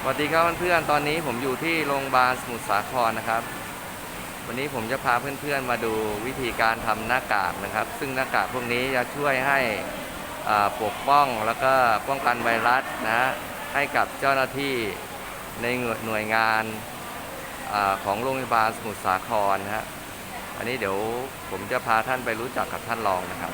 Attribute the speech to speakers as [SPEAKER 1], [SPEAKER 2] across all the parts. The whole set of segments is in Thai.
[SPEAKER 1] สวัสดีครับเพื่อนๆตอนนี้ผมอยู่ที่โรงพยาบาลสมุทรสาครนะครับวันนี้ผมจะพาเพื่อนๆมาดูวิธีการทำหน้ากากนะครับซึ่งหน้ากากพวกนี้จะช่วยให้ปกป้องแล้วก็ป้องกันไวรัสนะให้กับเจ้าหน้าที่ในหน่วยงานของโรงพยาบาลสมุทรสาครนะฮะอันนี้เดี๋ยวผมจะพาท่านไปรู้จักกับท่านรองนะครับ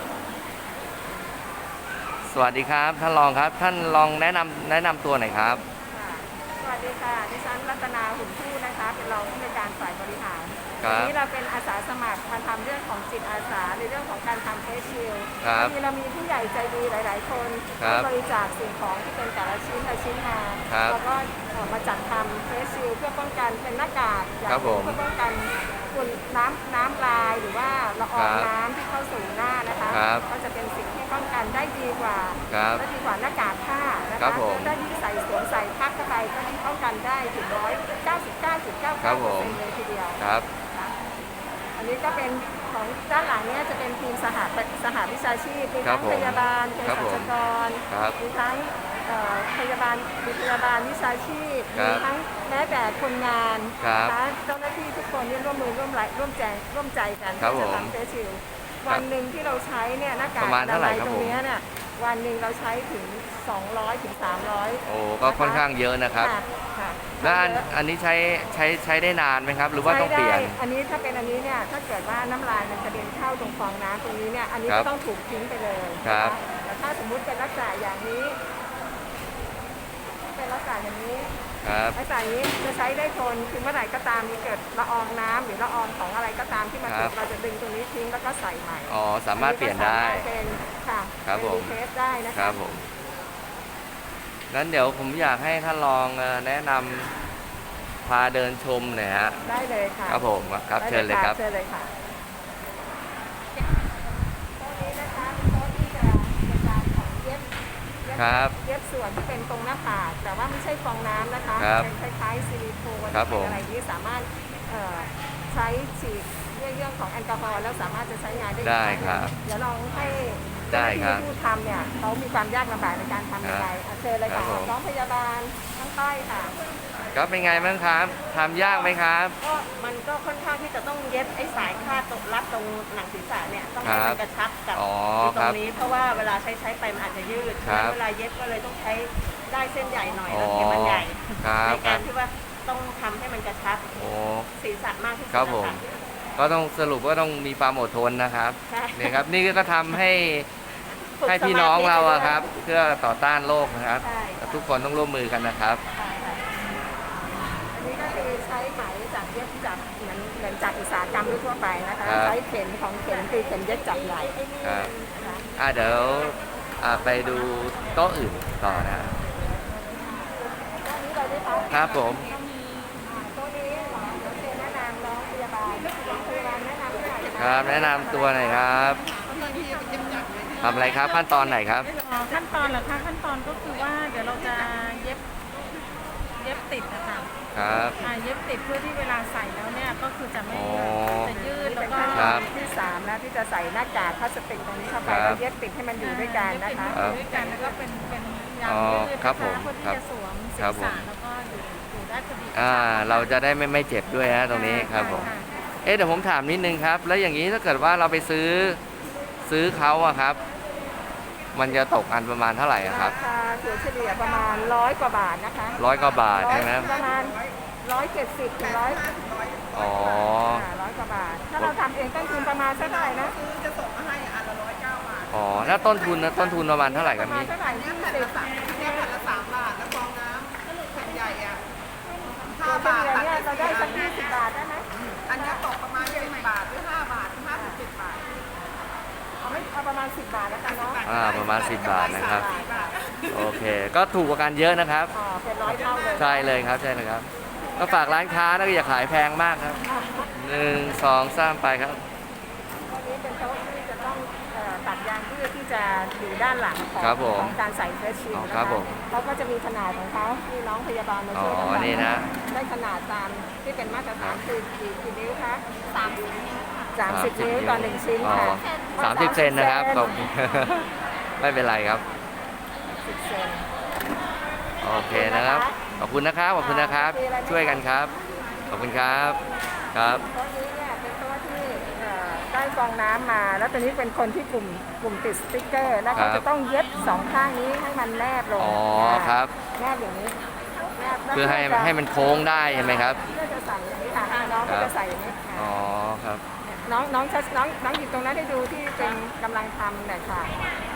[SPEAKER 1] สวัสดีครับท่านรองครับท่านรองแนะนำตัวหน่อยครับ
[SPEAKER 2] สวัสดีค่ะดิฉันรัตนาหุ่นทู่นะคะเป็นรองผู้อำนวยการฝ่ายบริหาร
[SPEAKER 1] วัน
[SPEAKER 2] นี้เราเป็นอาสาสมัครมาทำเรื่องของจิตอาสาในเรื่องของการทำเฟสชิลด์วันนี้เรามีผู้ใหญ่ใจดีหลายๆคนที่บริจาคสิ่งของที่เป็นแต่ละชิ้นละชิ้นมาแล้วก็มาจัดทำเฟสชิลด์เพื่อป้องกันเป็นหน้ากากอย่างเพื่อป้องกันฝุ่นน้ำลายหรือว่าละอองน้ำที่เข้าสู่หน้านะคะก็จะเป็นสิ่งที่ป้องกันได้ดีกว่าและดีกว่าหน้ากากผ้านะคะถ้ายิ่งสวมใส่พักเข้าไปก็ยิ่งป้องกันได้ถึง199.99%เลยทีเดียวอันนี้ก็เป็นของด้านหลังนี้จะเป็นทีมสหวิชาชีพมีทั้งพยาบาลเภสัชกรมีทั้งพยาบาลวิชาชีพมีทั้งแม้แต่คนงานเจ้าหน้าที่ทุกคนนี่ร่วมมือร่วมใจกันที่จะทำเฟสชิลด์วันหนึ่งที่เราใช้เนี่ยหน้ากากอนามัยตรงนี้เนี่ยวันหนึ่งเราใช้ถึง200 ถึง 300โ
[SPEAKER 1] อ้ก็ค่อนข้างเยอะนะครับแล้วอันนี้ใช้ได้นานไหมครับหรือว่าต้องเปลี่ยน
[SPEAKER 2] อันนี้ถ้าเป็นอันนี้เนี่ยถ้าเกิดว่าน้ำลายมันกระเด็นเข้าตรงฟองน้ำตรงนี้เนี่ยอันนี้ก็ต้องถูกทิ้งไปเลยแต่ถ้าสมมุติเป็นลักษณะอย่างนี้เป็นลักษณะอย่างนี้ลักษณะนี้จะใช้ได้ทนคือเมื่อไหร่ก็ตามมีเกิดละอองน้ำหรือละอองของอะไรก็ตามที่มาติดเราจะดึงตรงนี้ทิ้งแล้วก็ใส่ใหม่
[SPEAKER 1] อ๋อสามารถเปลี่ยนได้
[SPEAKER 2] เป็นค่ะ
[SPEAKER 1] ครับผม
[SPEAKER 2] เทสได้นะคะ
[SPEAKER 1] ครับผมงั้นเดี๋ยวผมอยากให้ท่านลองแนะนำพาเดินชมหน่อยฮะ
[SPEAKER 2] ได้เลยค่ะ
[SPEAKER 1] ครับผมครับเชิญเลยครับ
[SPEAKER 2] เชิญเลยค่ะโต๊ะนี้นะคะเป็นโต๊ะที่จะเป็นการของเย็บส่วนที่เป็นตรงหน้าผากแต่ว่าไม่ใช่ฟองน้ำนะคะเป็นคล้ายๆซิลิโคนอะไรที่สามารถใช้ฉีดเรื่องของแอลกอฮอล์แล้วสามารถจะใช้งานได้
[SPEAKER 1] ครับ
[SPEAKER 2] เดี๋ยวลองให้
[SPEAKER 1] ได้ครับ
[SPEAKER 2] ผู้ทำเนี่ยเขามีความยากลำบากในการทำยังไงเชิญเลยค่ะน้องพยาบาลทั้งใต้ค่ะ
[SPEAKER 1] ครับเป็นไงบ้างครับทำยากไหมครับ
[SPEAKER 2] ก็มันก็ค่อนข้างที่จะต้องเย็บไอ้สายคาดตรงรัดตรงหนังศีรษะเนี่ยต้องให้มันกระชับกับตรงนี้เพราะว่าเวลาใช้ไปมันอาจจะยืดเวลาเย็บก็เลยต้องใช้ได้เส้นใหญ่หน่อยแล้วเข็มมันใหญ่ในการที่ว่าต้องทำให้มันกระชับศีรษะมากที่สุด
[SPEAKER 1] ครับผมก็ต้องสรุปว่าต้องมีความอดทนนะครับนี่ครับนี่ก็ทำให้พี่น้องเราครับเพื่อต่อต้านโรคนะครับทุกคนต้องร่วมมือกันนะครับ
[SPEAKER 2] อันนี้ก็คือใช้ไหมจากเย็บจากเหมือนจากอุตสาหกรรมทั่วไปนะคะใช้เข็มคือเข็มเย็บจับใหญ่
[SPEAKER 1] ครับเดี๋ยวไปดูโต๊ะอื่นต่อนะ
[SPEAKER 2] ครับ
[SPEAKER 1] ผม
[SPEAKER 2] โต๊ะนี้หมอจะแนะนำน้องพยาบาลแนะนำหน่อย
[SPEAKER 1] ครับแนะนำตัวหน่อยครับทำอะไรครับขั้นตอนไหนครับ
[SPEAKER 2] ขั้นตอนเหรอคะขั้นตอนก็คือว่าเดี๋ยวเราจะเย็บติดนะคะ
[SPEAKER 1] ครับ
[SPEAKER 2] เย็บติดเพื่อที่เวลาใส่แล้วเนี่ยก็คือจะไม่จะยืดแล้วก็ที่3นะที่จะใส่หน้ากากพลาสติกตรงนี้เข้าไปแล้วเย็บติดให้มันอยู่ด้วยกันนะคะอยู่ด้วยกันแล้วก็เป็นยางยืดนะคะเพื่อที่จะสวมศีรษะแล้วก็อยู่ได้พอดี
[SPEAKER 1] เราจะได้ไม่เจ็บด้วยนะตรงนี้ครับผมเดี๋ยวผมถามนิดนึงครับแล้วอย่างนี้ถ้าเกิดว่าเราไปซื้อเขาอะครับมันจะตกอันประมาณเท่าไหร่ครับ
[SPEAKER 2] ราคาถัวเฉลี่ยประมาณ100 กว่าบาทนะคะ
[SPEAKER 1] 100 กว่าบาทใช่ไหม
[SPEAKER 2] ประมาณ170 ถึง100
[SPEAKER 1] อ๋อ
[SPEAKER 2] 100 กว่าบาทถ้าเราทำเองต้นทุนประมาณเท่าไหร่นะซื้อจะส่งมาให้อันละ109 บาท
[SPEAKER 1] อ๋อแล้วต้นทุนประมาณเท่าไหร่ครับ
[SPEAKER 2] นี่เท่าไหร่20เนี่ยแผ่นละ3 บาทแล้วฟองน้ำแผ่นใหญ่อ่ะ5 บาทเนี่ยเราได้สัก20 บาทได้ไหมอันนี้ตกประมาณ10 บาทหรือ5 บาทถึง50 บาทเอาประมาณ10 บาทแล้วกันเนาะ
[SPEAKER 1] ประมาณ10 บาทนะครับโอเคก็ถูกกว่ากันเยอะนะครับ
[SPEAKER 2] เป็น100 เท่าเลย
[SPEAKER 1] ใช่เลยครับใช่เลยครับก็ฝากร้านค้านะอย่าขายแพงมากครับ1 2 3ไปครับ
[SPEAKER 2] วันนี้เป็นโต๊ะที่จะต้องตัดยางเพื่อที่จะอยู่ด้านหลังของการใส่เฟสชิลด์นะคะแล้วก็จะมีขนาดของเขาที่น้องพยาบาลมาช่วยกันได้ขนาดตามที่เป็นมาตรฐานคือกี่นิ้วคะ30 นิ้วต่อ1 ชิ้นค่ะ
[SPEAKER 1] 30 เซนนะครับไม่เป็นไรครับ
[SPEAKER 2] 10 เซน
[SPEAKER 1] โอเคนะครับขอบคุณนะครับขอบคุณนะครับ ช่วยกันครับขอบคุณครับครับ
[SPEAKER 2] โต๊ะนี้เนี่ยเป็นโต๊ะที่ได้ฟองน้ำมา แล้วตอนนี้เป็นคนที่กลุ่มติดสติ๊กเกอร์ แล้วเขาจะต้องเย็บสองข้างนี้ให้มันแนบลง
[SPEAKER 1] อ๋อครับ
[SPEAKER 2] แนบอย่างนี้แนบแล้ว
[SPEAKER 1] เพื่อให้มันโค้งได้ใช่ไหมครับ
[SPEAKER 2] เพื่อจะใส่อย่างนี้ค่ะน้องก็จะใส่อย่างนี้ค่ะ
[SPEAKER 1] อ๋อครับ
[SPEAKER 2] น้องหยิบตรงนั้นให้ดูที่เป็นกำลังทำเนี่ยค่ะ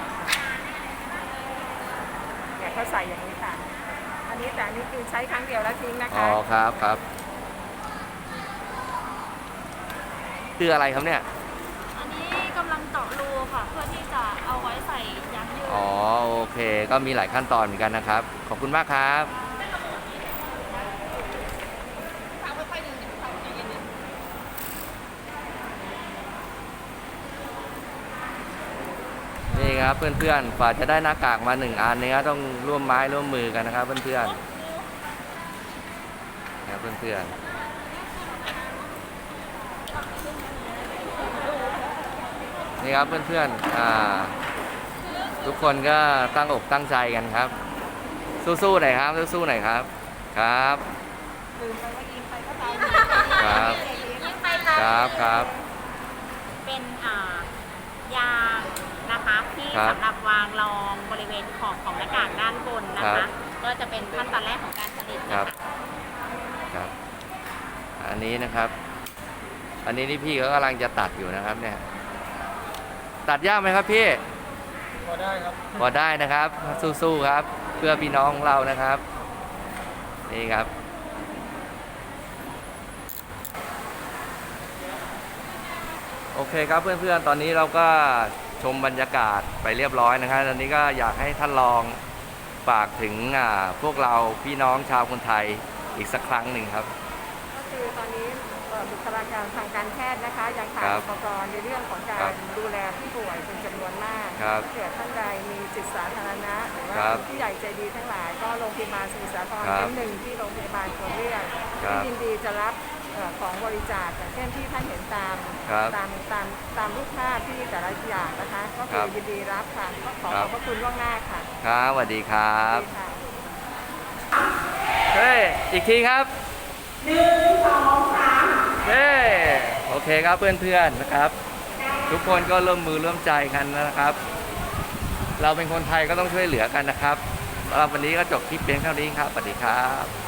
[SPEAKER 2] เนี่ยเขาใส่อย่างนี้ค่ะ อันนี้คือใช้ครั้งเดียวแล้วทิ้งนะ
[SPEAKER 1] อ๋อ
[SPEAKER 2] คะ
[SPEAKER 1] ครับคืออะไรครับเนี่ย
[SPEAKER 3] อันนี้กำลังเจาะรูค่ะ เพื่อที่จะเอาไว้ใส่ยางยืด
[SPEAKER 1] อ๋อโอเค ก็มีหลายขั้นตอนเหมือนกันนะครับ ขอบคุณมากครับนี่ครับเพื่อนๆกว่าจะได้หน้ากากมา1 อันนี้ต้องร่วมไม้ร่วมมือกันนะครับเพื่อนๆนะครับเพื่อนๆนี่ครับเพื่อนๆทุกคนก็ตั้งอกตั้งใจกันครับ สู้ๆหน่อยครับสู้ๆหน่อยครับครับ
[SPEAKER 2] ลืมไปว่ายิงไปก็ตาย
[SPEAKER 1] ครับ
[SPEAKER 3] ยิ่งไปเล
[SPEAKER 1] ครับ
[SPEAKER 3] เป็นยางนะคะที่
[SPEAKER 1] ครับ
[SPEAKER 3] สำหรับวางรองบริเวณขอบของหน้ากากด้านบนนะ
[SPEAKER 1] ครั
[SPEAKER 3] คะ
[SPEAKER 1] บ
[SPEAKER 3] ก็จะเป็นขั้นตอนแรกของการผลิต
[SPEAKER 1] ครั
[SPEAKER 3] นะ
[SPEAKER 1] บ
[SPEAKER 3] คะ
[SPEAKER 1] ครับอันนี้นะครับ อันนี้นี่พี่เขากำลังจะตัดอยู่นะครับเนี่ยตัดยากไหมครับพี่
[SPEAKER 4] พอได้ครับ
[SPEAKER 1] พอได้นะครับสู้ๆครับ เพื่อพี่น้องของเรานะครับ นี่ครับโอเคครับเพื่อนๆตอนนี้เราก็ชมบรรยากาศไปเรียบร้อยนะครับตอนนี้ก็อยากให้ท่านลองฝากถึงพวกเราพี่น้องชาวคนไทยอีกสักครั้งหนึ่งครับ
[SPEAKER 2] ก็คือตอนนี้บุคลากรทางการแพทย์นะคะยังขาด
[SPEAKER 1] ครับ
[SPEAKER 2] อุปกรณ์ในเรื่องของกา
[SPEAKER 1] ครั
[SPEAKER 2] ร
[SPEAKER 1] บ
[SPEAKER 2] ดูแลผู้ป่วยเป็นจำนวนมาก
[SPEAKER 1] ครับ
[SPEAKER 2] ถ้าเกิดท่านใดมีจิตสาธารณะหรือว่า
[SPEAKER 1] ครับ
[SPEAKER 2] ผู้ใหญ่ใจดีทั้งหลาย ก็โรงพยาบาลสมุทรสาคร
[SPEAKER 1] ครับ
[SPEAKER 2] เป็นหนึ่งที่โรงพยาบาลควรเรียก
[SPEAKER 1] ครับ
[SPEAKER 2] ที่ยินดีจะรับของบริจาคอย่างเช่นที่ท่านเห็นตาม
[SPEAKER 1] ครับ
[SPEAKER 2] ตามรูปภาพที่แต่ละอย่างนะคะ ก็
[SPEAKER 1] ค
[SPEAKER 2] คื
[SPEAKER 1] รั
[SPEAKER 2] อบ ยินดีรับค่ะก็ขอ
[SPEAKER 1] ครั
[SPEAKER 2] ข
[SPEAKER 1] บ
[SPEAKER 2] อบพระคุณล่วงหน้าค่ะ
[SPEAKER 1] ครับสวัสดีครับ
[SPEAKER 2] ดีค่ะ
[SPEAKER 1] เฮ้ยอีกทีครับเฮ้ยโอเคครับเพื่อนๆนะครับ ทุกคนก็ร่วมมือร่วมใจกันนะครับ เราเป็นคนไทยก็ต้องช่วยเหลือกันนะครับสำหรับวันนี้ก็จบคลิปเพียงเท่านี้ครับสวัสดีครับ